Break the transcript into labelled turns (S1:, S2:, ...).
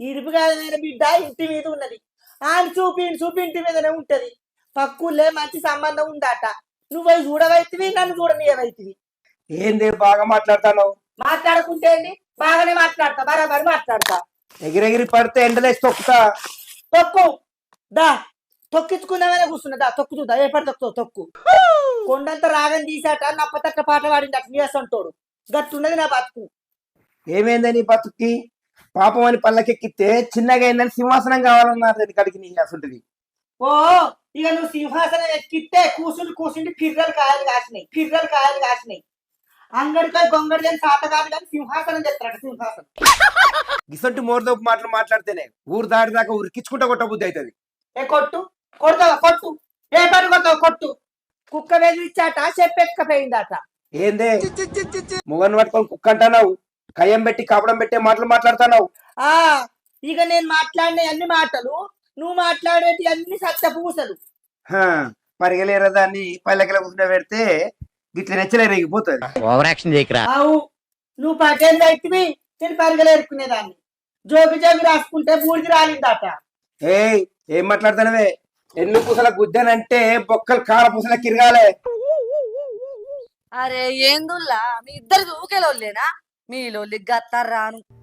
S1: ఇడుపు కాదు నాయన బిడ్డ ఇంటి మీద ఉన్నది. ఆయన చూపి ఇంటి మీదనే ఉంటది. పక్కులే మంచి సంబంధం ఉందట. నువ్వు పోయి చూడవైతివి, నన్ను చూడనీయవైతివి.
S2: ఏంది బాగా మాట్లాడతాను?
S1: మాట్లాడుకుంటే ఏంది? బాగానే మాట్లాడతా, బరాబరి మాట్లాడతా.
S2: ఎగిరెగిరి పడితే ఎండలేసి తొక్కుతా.
S1: తొక్కు దా, తొక్కించుకుందామనే కూర్చున్నదా. తొక్కు చూద్దా ఏ పడి తొక్కు తొక్కు. కొండంత రాగం తీసాట, నప్పతట్ట పాట పాడిందట నీసంటోడు. గట్టున్నది నా బతుకు.
S2: ఏమైందని బతుక్కి? పాపం అని పళ్ళకెక్కితే చిన్నగా అయిందని సింహాసనం కావాలన్నారు దాని కడికి నీ అసంటిది.
S1: ఓ ఇక నువ్వు సింహాసనం ఎక్కితే కూసుండి పిర్రలు కాయలు కాసినాయి. అంగడిపై గొంగడి అని సాత కాదు కానీ సింహాసనం చెప్తారట. సింహాసనం
S2: గిసంటి మోరదోపు మాటలు మాట్లాడితేనే ఊరు దాటి దాకా ఉరికించుకుంటా కొట్ట బుద్ధి అవుతుంది.
S1: ఏ కొడతావా కొట్టు. ఏ పని కొడతావు కొట్టు. కుక్క వెదిరిచ్చాట, చెప్పెక్కపోయిందట.
S2: ఏందే మొగన్ పట్టుకొని కుక్క అంటున్నావు? కయ్యం పెట్టి కాపడం పెట్టే మాటలు మాట్లాడుతున్నావు.
S1: ఆ ఇక నేను మాట్లాడిన అన్ని మాటలు, నువ్వు మాట్లాడేటి అన్ని సత్య పూసలు.
S2: పరిగలేరా దాన్ని పల్లెకల కూర్చుంటే పెడితే గిట్ల నెచ్చలే రేగిపోతుంది.
S3: Over action చేయకరా.
S1: అవు నువ్వు పటేళ్ళు అయితివి, నేను పరిగలేరుకునేదాన్ని. జోగి రాసుకుంటే బూడిది రాలిందట.
S2: ఏం మాట్లాడుతానవే? ఎన్ను పూసల గుద్దనంటే బొక్కలు కార పూసల కిరగాలే.
S4: అరే ఏందుల్లా మీ ఇద్దరికి ఊకేలోళ్ళేనా? మీలోళ్ళి గత్తారు రాను.